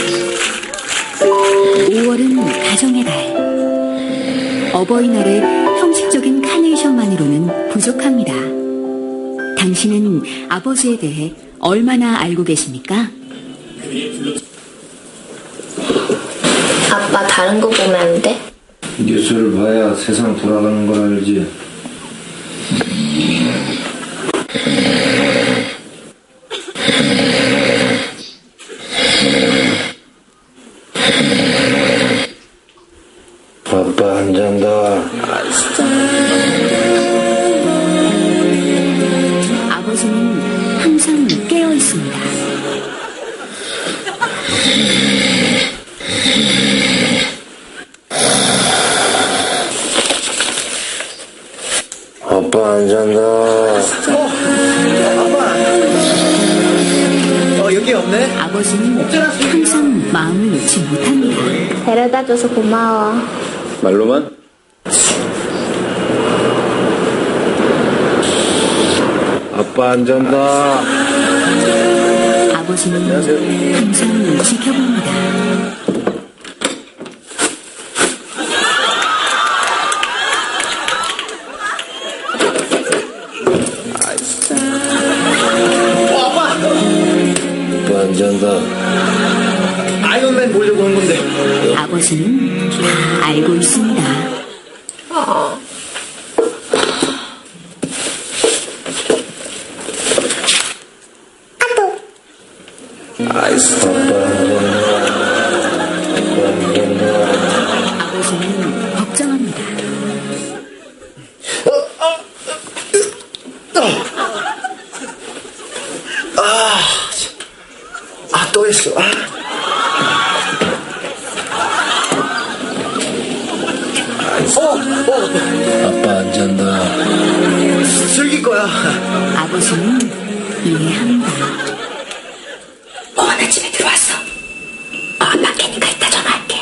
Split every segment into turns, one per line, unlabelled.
5월은 가정의 달. 어버이날에 형식적인 카네이션만으로는 부족합니다. 당신은 아버지에 대해 얼마나 알고 계십니까?
아빠 다른 거 보면 안 돼?
뉴스를 봐야 세상 돌아가는 걸 알지. 아빠 안 잔다.
아버지는 항상 깨어 있습니다.
아빠 안 잔다.
여기 없네?
아버지는 항상 마음을 놓지 못합니다.
데려다줘서 고마워.
말로만? 아빠 안 잔다.
아버지는 항상 지켜봅니다.
아빠 안 잔다.
아이언맨 보려고 한 건데.
아버지는 다 알고 있습니다.
아이스. 아빠 안 잔다.
아버지는 걱정합니다.
또 했어.
아빠 안 잔다.
즐길 거야.
아버지는 이해합니다. 나 집에 들어왔어. 밖에니까 이따 전화할게.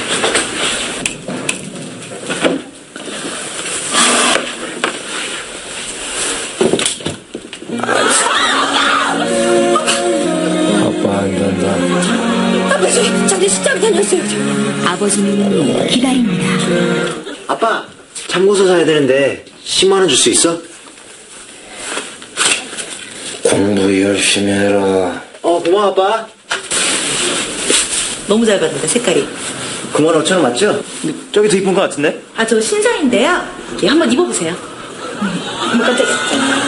아빠 안 잔다.
아버지, 저기 시장 다녔어요.
아버지는 기다립니다.
아빠, 참고서 사야 되는데 10만 원 줄 수 있어?
공부 열심히 해라.
고마워, 아빠.
너무 잘 봤는데 색깔이.
9만 5천 원 맞죠? 저기 더 이쁜 거 같은데?
아, 저 신상인데요. 예, 한번 입어보세요. 깜짝이야.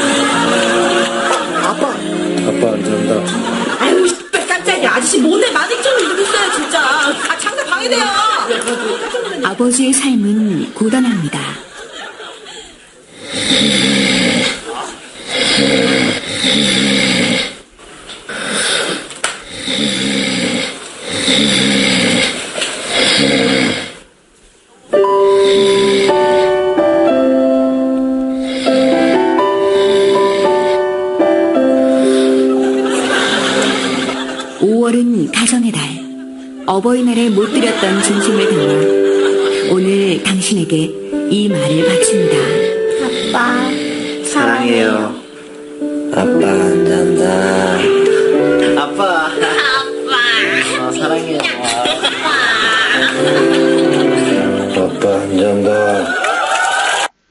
아빠.
아빠 안 잔다.
아유, 깜짝이야. 아저씨 모네 만행처럼 입고 있어요, 진짜. 아, 장사 방해돼요.
아버지의 삶은 고단합니다. (5월은) 가정의 달. 어버이날에 못 드렸던 진심을 담아 오늘 당신에게 이 말을 바칩니다.
아빠, 사랑해요.
아빠 안 잔다.
아빠. 사랑해요.
아빠 안 잔다.